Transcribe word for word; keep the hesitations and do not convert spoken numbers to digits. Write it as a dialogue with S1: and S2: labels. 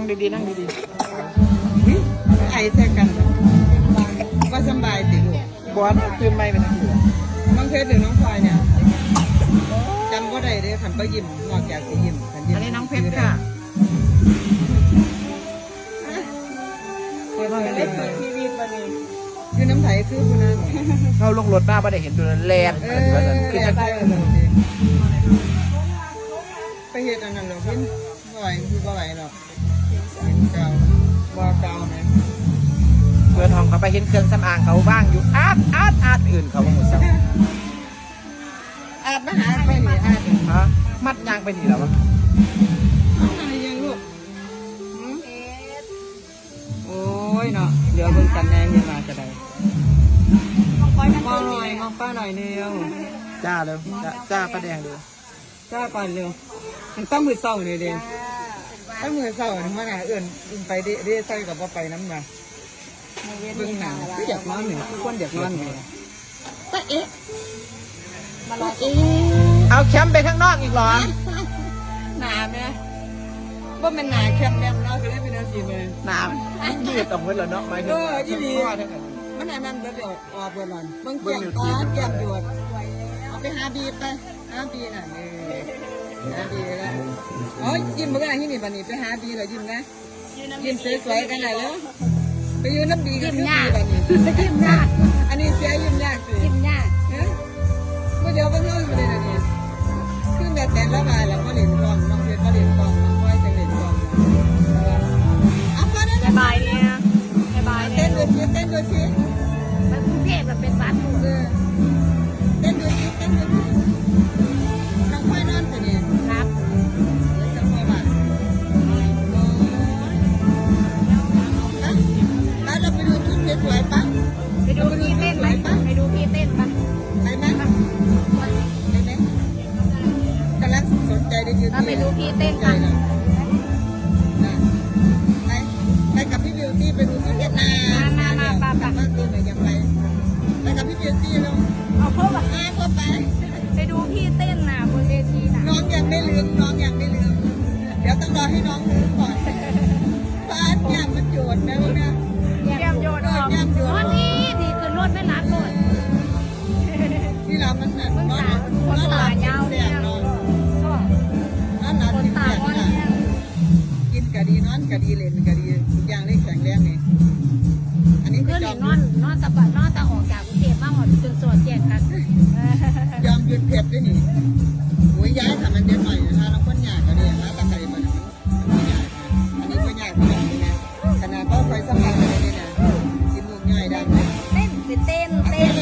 S1: ดีๆนั่งดี
S2: ไอแทกกันว่าสบายติลูก
S1: ๆบอสตื่นไม่เป็นอะไร
S2: น้องเพชรหรือน้องพลอยเนี่ยจำก็ได้เลยขันก็ยิ้มนอกจากสียิ้มขันยิ้ม
S1: อันนี้น้องเพชรค่ะ
S2: เปิดเปิดทีวีมาเลยคือน้ำไผ่คือคุณนั่น
S1: เข้าลงรถมาไม่ได้เห็นตัวแลน
S2: เอ
S1: ขึ้น
S2: อ
S1: มาขึ้น
S2: จะ
S1: จะ
S2: ใส่เลยไปเห็ดอันนั้นหรอกพี่บ่อยคือบ่อยหรอกเก่าบ่เก่าไหม
S1: เพื่อนห้องเขาไปเห็นเครื่องสำอางเขาว่างอยู่อาดอาดอาดอื่นเขาหมดสัก
S2: อาบมาหาไปหนีอาบ
S1: ฮะมัดยางไปทีแล้ววะ
S2: อะไรยังลูกโอ้ยเนาะเดี๋ยวเบิ่งกันแน่เย็นมาจะได้มองหน่อยมองป้าหน่อยเดียว
S1: จ้าเลยจ้าจ้าประแดงเลย
S2: จ้าก่อนเร็วมันต้องมือเศร้าเลยเด้ต้องมือเศร้าถึงมาหนาเอื่นอื่นไปเด้เด้ใส่กับว่าไปน้ำมาเบิ่งหนังคืออยากนอนหนึ่งคือคนอยากนอนหนึ่งป้าเอ๊ะมาลอเอ๊ะ
S1: เอาแคมป์ไปข้างนอกอีกเหรอ
S2: หนาไหมว่ามันหนาแคบแนมเนาะคือได้เป็นอาชีพเลย
S1: น้ำยืดออกมาแล้วเนาะหมายถึงข้อทั้งนั้น
S2: มันอันนั้นเดี๋ยวออกไปหน่อยเบิ่งแก้มตาแก้มหยดเอาไปหาบีไปหาบีน่ะนี่หาบีแล้วโอ้ยยิ้มเมื่อไหร่ที่นี่บันนี้ไปหาบีเลยยิ้มนะยิ้มสวยๆกันหน่อยแล้วไปยืนน้ำบีกันยิ้มยากบันนี้ยิ้มยากอันนี้เสียยิ้มยากสิยิ้มยากเนี่ยเมื่อเดียวก็เท่าอยู่เลยนะนี่คือแม่แต่ละมาแล้วก็เล่นกล้องน้องเพชรก็เล่นกล้องน้องก้อยจะเล่นกล้องเอาไปได้
S3: บายเนี่ยบาย
S2: เต้
S3: เนี่ย
S2: นดูสิเต้นดูสิ
S3: มันกรุงเทพแบบเป็นบ้านถูก
S2: เออเต้นดูสิเต้นดูสิน้องก้อยนอนสิเนี่ย
S3: ครับ
S2: แล้วจะพอป่ะแล้วเราไปดูชุดสวยๆป่ะ
S3: ไปดูพี่เต้นไหมไปดูพี่เต้นปะ
S2: ไปไหมไปไหมกำลังสนใจได้ยืน
S3: เราไปดูพี่เต้น
S2: ใจ
S3: กัน
S2: นะไปไปกับพี่บิวตี้ไปดูที่เวียดนามมาเนี่ยกลับบ้านตีหน่อยยังไปไปกับพี่บิวตี้ลง
S3: เอาเพิ่มแบบ
S2: มาก็ไป
S3: ไปดูพี่เต้นน่ะบนเวทีน่ะ
S2: น้องยังไม่ลืมน้องยังไม่ลืมเดี๋ยวต้องรอให้น้องลืมก่อนบ้านยามมันโจดนะลูกนะ
S3: เยี่ยมโยนออกวันนี้ดีขึ้นรถไม่รักรถ
S2: ที่เรามันน่ะนอนนอนหลับกินแดงนอน
S3: ก็
S2: นอนหลับ
S3: คน
S2: กิน
S3: ตา
S2: แดง
S3: วัน
S2: นี่
S3: เนี่ย
S2: กินกะดีนอนกะดีเล่นกะดีทุกอย่างได้แข็งแรงนี่อันนี้คื
S3: เพื่
S2: อ
S3: อน
S2: ยอม
S3: นอนนอนตะบัดนอนตะออกจากกรุงเทพมาหมดจนสวดแจกกัน
S2: ยอมหยุดเผ็ดด้วยนี่โอ้ยย้ายทำมันเด็ดหน่อยนะคะน้องคนหยาดก็ดีนะตะไคร้มันมันหยาดอันนี้ก็หยาดเหมือนกันนะขนาดก็ไฟสำคัญเลยนี่นะกินลูกง่ายได้
S3: เต้นเต้นเต้น